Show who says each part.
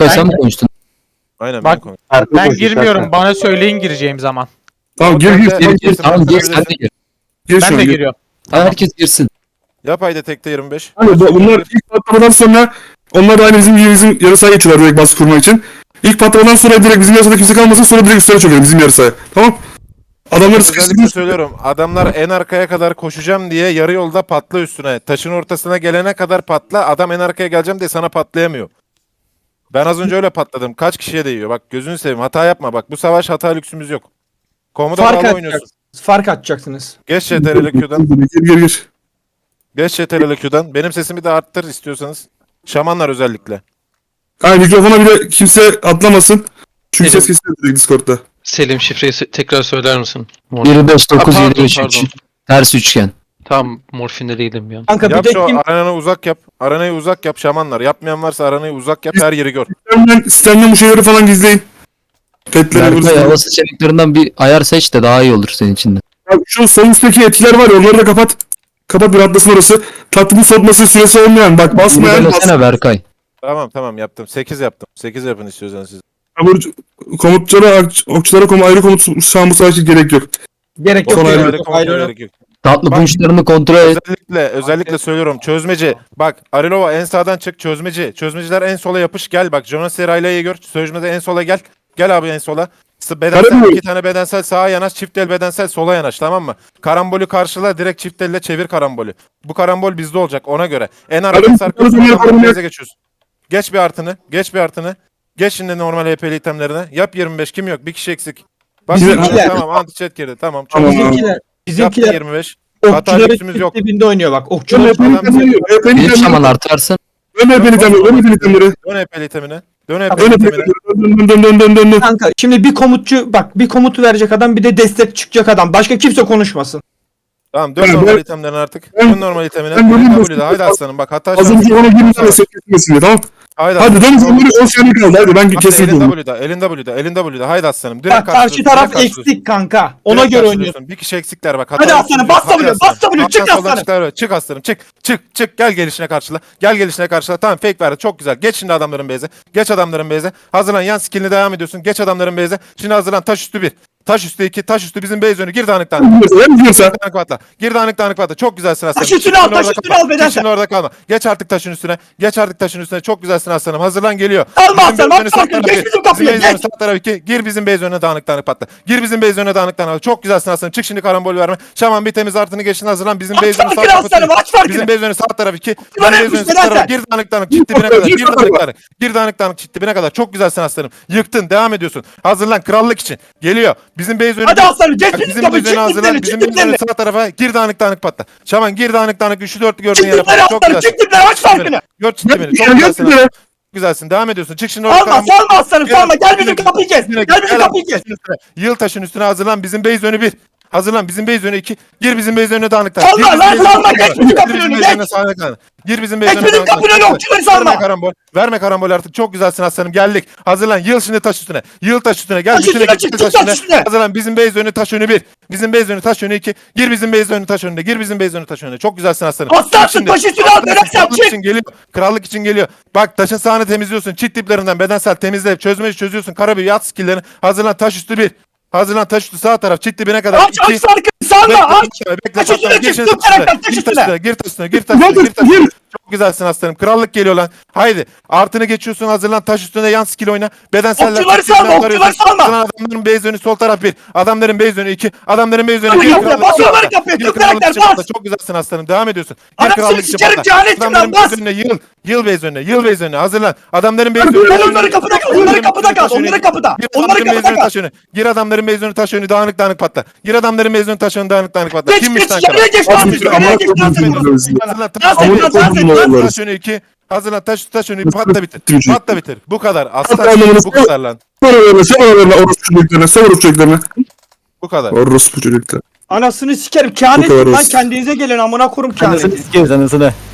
Speaker 1: sen mi konuştun?
Speaker 2: Aynen
Speaker 3: Bak,
Speaker 2: ben
Speaker 3: Ben girmiyorum. Bana söyleyin gireceğim zaman.
Speaker 4: Tamam gir gir.
Speaker 2: Gir,
Speaker 1: Gir, tamam gir sen de gir.
Speaker 4: Gir
Speaker 3: Ben
Speaker 4: şu
Speaker 3: de
Speaker 4: an, gir.
Speaker 3: giriyorum.
Speaker 1: Herkes girsin.
Speaker 2: Yap haydi tekte 25.
Speaker 4: Hani bunlar ilk patlamadan sonra onlar da aynı bizim yarı sahaya geçiyorlar direkt baskı kurmak için. İlk patlamadan sonra direkt bizim yarı sahada kimse kalmasın, sonra direkt üstüne çökelim bizim yarı sahaya. Tamam? Adamları
Speaker 2: Özellikle
Speaker 4: sıkıştırmış.
Speaker 2: söylüyorum. Adamlar en arkaya kadar koşacağım diye yarı yolda patla üstüne. Taşın ortasına gelene kadar patla. Adam en arkaya geleceğim diye sana patlayamıyor. Ben az önce öyle patladım. Kaç kişiye değiyor? Bak gözünü seveyim. Hata yapma. Bak bu savaş hata lüksümüz yok. Komuda
Speaker 5: Fark
Speaker 2: bağlı oynuyorsun.
Speaker 5: atacaksınız. Fark atacaksınız.
Speaker 2: Geç CTRL Q'dan.
Speaker 4: Gir.
Speaker 2: Geç CTRL Q'dan. Benim sesimi de arttır istiyorsanız. Şamanlar özellikle.
Speaker 4: Aynen mikrofona bile kimse atlamasın. Çünkü
Speaker 6: Evet.
Speaker 4: ses kesiliyor direkt Discord'da.
Speaker 6: Selim şifreyi tekrar söyler misin?
Speaker 1: 159
Speaker 6: Pardon,
Speaker 1: 7 3
Speaker 6: pardon.
Speaker 1: 3. Ters üçgen.
Speaker 6: Tam morfinde değilim bir an.
Speaker 5: Kanka bir
Speaker 2: Yap
Speaker 5: de
Speaker 2: şu
Speaker 5: kim?
Speaker 2: aranayı uzak yap. Aranayı uzak yap şamanlar. Yapmayan varsa aranayı uzak yap. Her yeri gör.
Speaker 4: Sistemden bu şeyleri falan gizleyin. Petleri
Speaker 1: Berkay
Speaker 4: vurursun.
Speaker 1: hava seçeneklerinden bir ayar seç de daha iyi olur senin için de.
Speaker 4: Bak şu sol üstteki etkiler var ya, onları da kapat. Kapat, bir atlasın orası. Tatlının soğutması süresi olmayan. Bak basmayan bas.
Speaker 1: Söylesene Berkay.
Speaker 2: Tamam yaptım. 8 yaptım. 8 yapın istiyorsanız siz.
Speaker 4: Komutçulara, okçulara ayrı komut şu an bu savaş için gerek yok.
Speaker 5: Gerek yok.
Speaker 4: Son
Speaker 5: gerek
Speaker 4: ayrı
Speaker 5: yok,
Speaker 2: Kontrol
Speaker 5: ayrı yok.
Speaker 2: gerek yok.
Speaker 1: Tatlı
Speaker 2: Bak-
Speaker 1: punçlarını kontrol et.
Speaker 2: Özellikle söylüyorum. Çözmeci. Bak Arilova en sağdan çık. Çözmeci. Çözmeciler en sola yapış. Gel bak. Jonas Serayla'yı gör. Çözmeci en sola gel. Gel abi en sola. Bedensel,
Speaker 4: Karambol.
Speaker 2: 2 tane bedensel sağa yanaş. Çift el bedensel sola yanaş. Tamam mı? Karambolü karşıla. Direkt çift elle çevir karambolü. Bu karambol bizde olacak. Ona göre. En arkaya
Speaker 4: Karambol,
Speaker 2: sarkıyorsun.
Speaker 4: karambol,
Speaker 2: Karambolü
Speaker 4: karambol.
Speaker 2: beze geçiyorsun. Geç bir artını. Geç bir artını. Geç şimdi normal HP'li itemlerine. Yap 25. Kim yok? Bir kişi eksik. Bak
Speaker 4: Bizimkiler.
Speaker 2: tamam anti-chat girdi. Tamam. Çok
Speaker 4: Tamam.
Speaker 2: güzel.
Speaker 5: Bizimkiler,
Speaker 2: Yaptı
Speaker 5: bizimkiler
Speaker 2: 25. Hata
Speaker 5: okçuların
Speaker 2: lüksümüz yok.
Speaker 5: dibinde oynuyor bak.
Speaker 4: Dön
Speaker 5: Okçular
Speaker 1: Bir şaman artarsın.
Speaker 4: itemleri.
Speaker 2: Dön HP'li itemine. Dön
Speaker 4: Dön
Speaker 2: HP'li itemine.
Speaker 4: dön.
Speaker 5: kanka şimdi bir komutçu bak, bir komutu verecek adam, bir de destek çıkacak adam. Başka kimse konuşmasın.
Speaker 2: Tamam dön
Speaker 4: Ben-
Speaker 2: normal
Speaker 4: ben-
Speaker 2: itemlerine artık.
Speaker 4: ben-
Speaker 2: Dön normal itemine.
Speaker 4: ben böyle
Speaker 2: W'de
Speaker 4: basın-
Speaker 2: haydi aslanım bak hata
Speaker 4: Az önce ona 20 tane set kesmesin diye, tamam.
Speaker 2: Haydi
Speaker 4: Hadi dön
Speaker 2: aslanım.
Speaker 4: zamları 10 saniye kaldı, hadi ben
Speaker 2: Hadi
Speaker 4: kesin
Speaker 2: elin
Speaker 4: oldum.
Speaker 2: W'da, elin W'da haydi aslanım. Direkt
Speaker 5: Bak karşı
Speaker 2: karşılıyorsun,
Speaker 5: taraf
Speaker 2: direkt karşılıyorsun.
Speaker 5: eksik kanka. Ona
Speaker 2: Direkt
Speaker 5: göre
Speaker 2: karşılıyorsun.
Speaker 5: oynuyor.
Speaker 2: Bir kişi eksikler bak.
Speaker 5: Hadi aslanım,
Speaker 2: lüksümüz
Speaker 5: bas
Speaker 2: yok. Hadi
Speaker 5: W,
Speaker 2: aslanım.
Speaker 5: bas W, çık
Speaker 2: Alttan soldan
Speaker 5: aslanım.
Speaker 2: Çık aslanım, çık. Gel gelişine karşıla. Gel gelişine karşıla. Tamam fake verdi, çok güzel. Geç şimdi adamların base'e. Geç adamların base'e. Hazırlan, yan skill'ini devam ediyorsun. Geç adamların base'e. Şimdi hazırlan, taş üstü 1. Taş üstü 2, taş üstü bizim base önü. Gir dağınık dağınık. Dağınık patla. Gir dağınık patla. Çok güzelsin aslanım.
Speaker 5: Taş üstüne
Speaker 2: Çık
Speaker 5: al,
Speaker 2: şimdi
Speaker 5: taş
Speaker 2: orada
Speaker 5: üstüne
Speaker 2: kalma.
Speaker 5: al bedensel.
Speaker 2: Çık şimdi orada kalma. Geç artık taşın üstüne. Geç artık taşın üstüne. Çok güzelsin aslanım. Hazırlan geliyor.
Speaker 5: Alma
Speaker 2: Bizim
Speaker 5: aslanım,
Speaker 2: base önü
Speaker 5: atma
Speaker 2: sağ
Speaker 5: arkaya,
Speaker 2: tarafı.
Speaker 5: geç bizim kapıya,
Speaker 2: Bizim base önü
Speaker 5: geç.
Speaker 2: sağ tarafı 2. Gir bizim base önüne dağınık patla. Gir bizim base önüne dağınık patla. Çok güzelsin aslanım. Çık şimdi karambol verme. Şaman bir temiz artını geçin, hazırlan. Bizim
Speaker 5: Aç
Speaker 2: base önü sağ
Speaker 5: farkını
Speaker 2: tarafı.
Speaker 5: aslanım, aç farkını.
Speaker 2: Bizim base önü sağ tarafı 2. Bizim
Speaker 5: Lan
Speaker 2: base
Speaker 5: yapmış
Speaker 2: önü sağ tarafı.
Speaker 5: bedensel.
Speaker 2: Gir dağınık çit dibine kadar. Gir dağınık çit dibine kadar. Çok güzelsin aslanım. Yıktın. Devam ediyorsun. Hazırlan krallık için. Geliyor. Bizim base önü.
Speaker 5: Hadi aslanım, geç
Speaker 2: Bak,
Speaker 5: bizim
Speaker 2: bizim
Speaker 5: kapıyı,
Speaker 2: base önü
Speaker 5: çık
Speaker 2: hazırlan.
Speaker 5: diplerini,
Speaker 2: Bizim
Speaker 5: çık
Speaker 2: base önü
Speaker 5: diplerini.
Speaker 2: sağ tarafa. Gir dağınık patla. Şaman gir dağınık üçlü dörtlü gördüğün
Speaker 5: Çık
Speaker 2: yere
Speaker 5: dipleri
Speaker 2: patla. Çok
Speaker 5: aslanım,
Speaker 2: güzelsin.
Speaker 5: çık dipleri, aç farkını.
Speaker 2: Gör çit dibini. Çok
Speaker 4: Gel
Speaker 2: güzelsin.
Speaker 4: gel.
Speaker 2: Güzelsin. Devam ediyorsun. Çık şimdi orada.
Speaker 5: Salma, salma aslanım, salma. Gel bizim kapıyı kes. Gel bizim kapıyı kes.
Speaker 2: Yıl taşın üstüne hazırlan. Bizim base önü 1. Hazırlan. Bizim base önü 2. Gir bizim base önüne dağınıktan.
Speaker 5: Salma,
Speaker 2: Gir bizim
Speaker 5: lan,
Speaker 2: base
Speaker 5: salma,
Speaker 2: önüne
Speaker 5: geç bizim kapının
Speaker 2: Gir bizim
Speaker 5: önüne,
Speaker 2: base
Speaker 5: geç.
Speaker 2: önüne sağlıktan. Gir bizim base
Speaker 5: Geç
Speaker 2: önüne
Speaker 5: bizim
Speaker 2: dağınıktan.
Speaker 5: kapının önüne, okçuları salma.
Speaker 2: Verme karambol. Verme karambol artık. Çok güzelsin aslanım. Geldik. Hazırlan. Yıl şimdi taş üstüne. Yıl taş üstüne. Gel
Speaker 5: Taş
Speaker 2: bütün
Speaker 5: üstüne
Speaker 2: ekip
Speaker 5: çık,
Speaker 2: taş
Speaker 5: taş
Speaker 2: üstüne.
Speaker 5: üstüne.
Speaker 2: Hazırlan. Bizim base önü taş önü 1. Bizim base önü taş önü 2. Gir bizim base önü taş önüne. Gir bizim base önü taş önüne. Çok güzelsin aslanım.
Speaker 5: Aslansın,
Speaker 2: Şimdi-
Speaker 5: taş üstüne al, bedensel,
Speaker 2: Krallık
Speaker 5: çık.
Speaker 2: için geliyor. Krallık için geliyor. Bak taşın sağını temizliyorsun. Çit diplerinden bedensel temizle. Çözmeyi çözüyorsun. Karabüyü yat skilllerini. Hazırlan taş üstü 1. Hazırlan taş üstü sağ taraf. Çit dibine kadar.
Speaker 5: Aç, aç farkını, salma, aç. Taş üstüne çık, dur karakter, taş üstüne.
Speaker 2: Gir taş üstüne. Gir taş üstüne. Çok güzelsin aslanım. Krallık geliyor lan. Haydi. Artını geçiyorsun. Hazırlan. Taş üstüne yan skill oyna. Bedenseller.
Speaker 5: Okçuları salma, okçuları salma.
Speaker 2: Hazırlan, adamların base önü sol taraf 1. Adamların base önü 2. Adamların base önü
Speaker 5: Hadi
Speaker 2: 1.
Speaker 5: kapıya, bas onları kapıya,
Speaker 2: Gir
Speaker 5: Türk
Speaker 2: krallık
Speaker 5: karakter,
Speaker 2: için
Speaker 5: bas.
Speaker 2: patla. Çok güzelsin aslanım. Devam ediyorsun.
Speaker 5: Anasını
Speaker 2: krallık için
Speaker 5: sikerim,
Speaker 2: patla.
Speaker 5: cehanetim lan,
Speaker 2: Adamların
Speaker 5: bas.
Speaker 2: base önüne yıl base önüne. Yıl base önüne. Hazırlan. Adamların base önüne.
Speaker 5: Ben onları kapıda kal, onları kapıda kal, onları kapıda.
Speaker 2: Gir
Speaker 5: Onları
Speaker 2: adamların
Speaker 5: kapıda
Speaker 2: mezunu
Speaker 5: kal.
Speaker 2: taş önü. Gir adamların mezunu taş önü dağınık patla. Gir adamların mezunu taş önü dağınık patla.
Speaker 5: Geç,
Speaker 2: Kimmiş
Speaker 5: geç,
Speaker 2: lan
Speaker 5: yarıya geç,
Speaker 2: Kerem?
Speaker 5: lan, yarıya geç, lan, sen.
Speaker 2: Hazırlan
Speaker 5: Lan sen, lan sen, lan.
Speaker 2: taş önü 2. Hazırlan taş önü patla bitir.
Speaker 4: Twitch'i.
Speaker 2: Patla bitir. Bu kadar.
Speaker 4: Patla
Speaker 2: Aslan
Speaker 4: anlamını
Speaker 2: bu kadar lan.
Speaker 4: Sonra orospu çocuklarına.
Speaker 2: Bu kadar.
Speaker 4: Orospu çocuklar.
Speaker 5: Anasını sikerim,
Speaker 4: Bu kadar
Speaker 5: kehanet lan,
Speaker 4: olsun.
Speaker 5: kendinize gelin amına kurum kehanet.
Speaker 7: Anasını sikeriz anasını.